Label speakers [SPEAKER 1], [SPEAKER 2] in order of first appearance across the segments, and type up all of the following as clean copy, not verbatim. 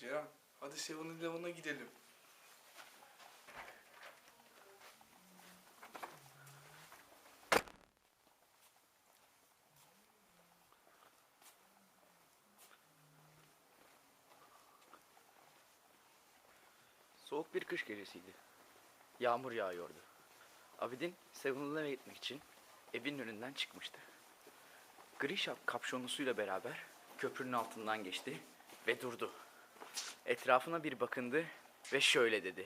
[SPEAKER 1] Ceren, hadi 7-Eleven'a gidelim.
[SPEAKER 2] Soğuk bir kış gecesiydi. Yağmur yağıyordu. Abidin 7-Eleven'e gitmek için evinin önünden çıkmıştı. Gri kapşonlusuyla beraber köprünün altından geçti ve durdu. Etrafına bir bakındı ve şöyle dedi.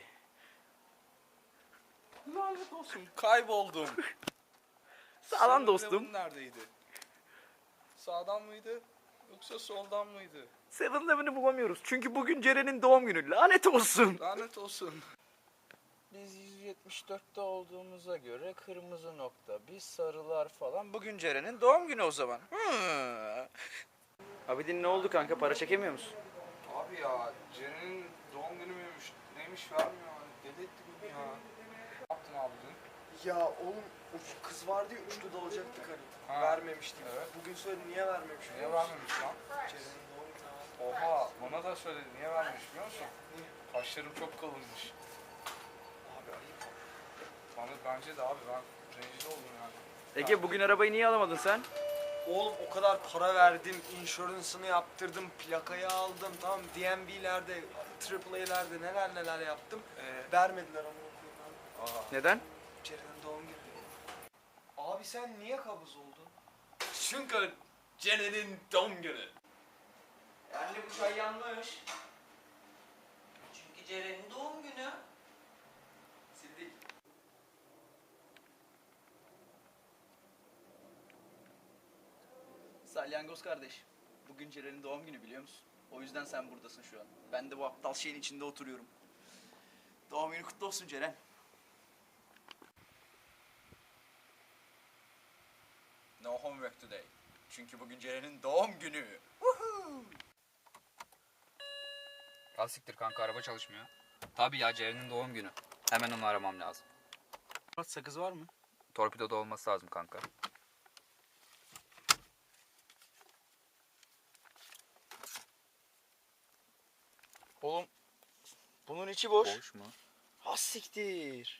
[SPEAKER 1] Lanet olsun, kayboldum.
[SPEAKER 2] Sağdan dostum.
[SPEAKER 1] 7-Eleven neredeydi? Sağdan mıydı yoksa soldan mıydı?
[SPEAKER 2] 7-Eleven'ı bulamıyoruz çünkü bugün Ceren'in doğum günü. Lanet olsun.
[SPEAKER 1] Lanet olsun.
[SPEAKER 3] Biz 174'te olduğumuza göre kırmızı nokta, biz sarılar falan. Bugün Ceren'in doğum günü o zaman.
[SPEAKER 2] Abidin ne oldu kanka? Para çekemiyor musun?
[SPEAKER 1] Abi ya, Ceren'in doğum günü müymüş, neymiş vermiyor. Deli etti beni ya. Ne yaptın abi dün?
[SPEAKER 4] Ya oğlum o kız vardı ya uçtu dalacaktık hani.
[SPEAKER 1] Ha.
[SPEAKER 4] Vermemiştik.
[SPEAKER 1] Evet.
[SPEAKER 4] Bugün söyledi niye vermemiş?
[SPEAKER 1] Niye vermemiş lan?
[SPEAKER 4] Ceren'in doğum günü.
[SPEAKER 1] Oha, bana da söyledi. Niye vermemiş biliyor musun? Kaşlarım çok kalınmış.
[SPEAKER 4] Abi ayıp.
[SPEAKER 1] Bana bence de abi, ben rencide oldum yani.
[SPEAKER 2] Ege bugün arabayı niye alamadın sen?
[SPEAKER 4] Oğlum o kadar para verdim, insurance'ını yaptırdım, plakayı aldım, tamam DMV'lerde, AAA'lerde neler neler yaptım. Vermediler ama okuyun abi.
[SPEAKER 2] Neden?
[SPEAKER 4] Ceren'in doğum günü. Abi sen niye kabız oldun?
[SPEAKER 5] Çünkü Ceren'in doğum günü.
[SPEAKER 3] Anne bu çay yanmış. Çünkü Ceren'in doğum günü.
[SPEAKER 5] Sildik.
[SPEAKER 2] Salyangoz kardeş. Bugün Ceren'in doğum günü biliyor musun? O yüzden sen buradasın şu an. Ben de bu aptal şeyin içinde oturuyorum. Doğum günü kutlu olsun Ceren.
[SPEAKER 3] No homework today. Çünkü bugün Ceren'in doğum günü.
[SPEAKER 6] Al siktir kanka, araba çalışmıyor. Tabii ya, Ceren'in doğum günü. Hemen onu aramam lazım.
[SPEAKER 2] Sakız var mı?
[SPEAKER 6] Torpidoda olması lazım kanka.
[SPEAKER 2] Oğlum bunun içi boş.
[SPEAKER 6] Boş mu?
[SPEAKER 2] Ha siktir.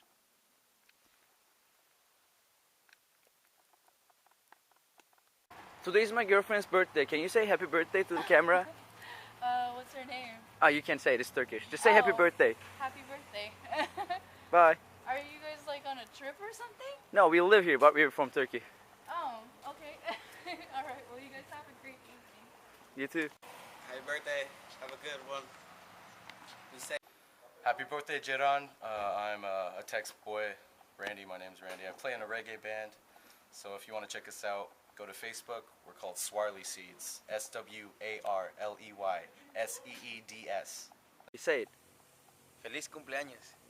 [SPEAKER 2] Today is my girlfriend's birthday. Can you say happy birthday to the camera?
[SPEAKER 7] What's her name?
[SPEAKER 2] Ah, you can say it. It's Turkish. Just say happy
[SPEAKER 7] Oh.
[SPEAKER 2] birthday.
[SPEAKER 7] Happy birthday.
[SPEAKER 2] Bye.
[SPEAKER 7] Are you guys like on a trip or something?
[SPEAKER 2] No, we live here, but we're from Turkey.
[SPEAKER 7] Oh, okay. All right. Well, you guys have a great evening.
[SPEAKER 2] You too.
[SPEAKER 5] Happy birthday. Have a good one. Be safe.
[SPEAKER 8] Happy birthday, Jeron. I'm a Tex boy. Randy, my name's Randy. I play in a reggae band. So if you want to check us out, go to Facebook. We're called Swarley Seeds. Swarley Seeds.
[SPEAKER 2] You say it.
[SPEAKER 3] Feliz cumpleaños.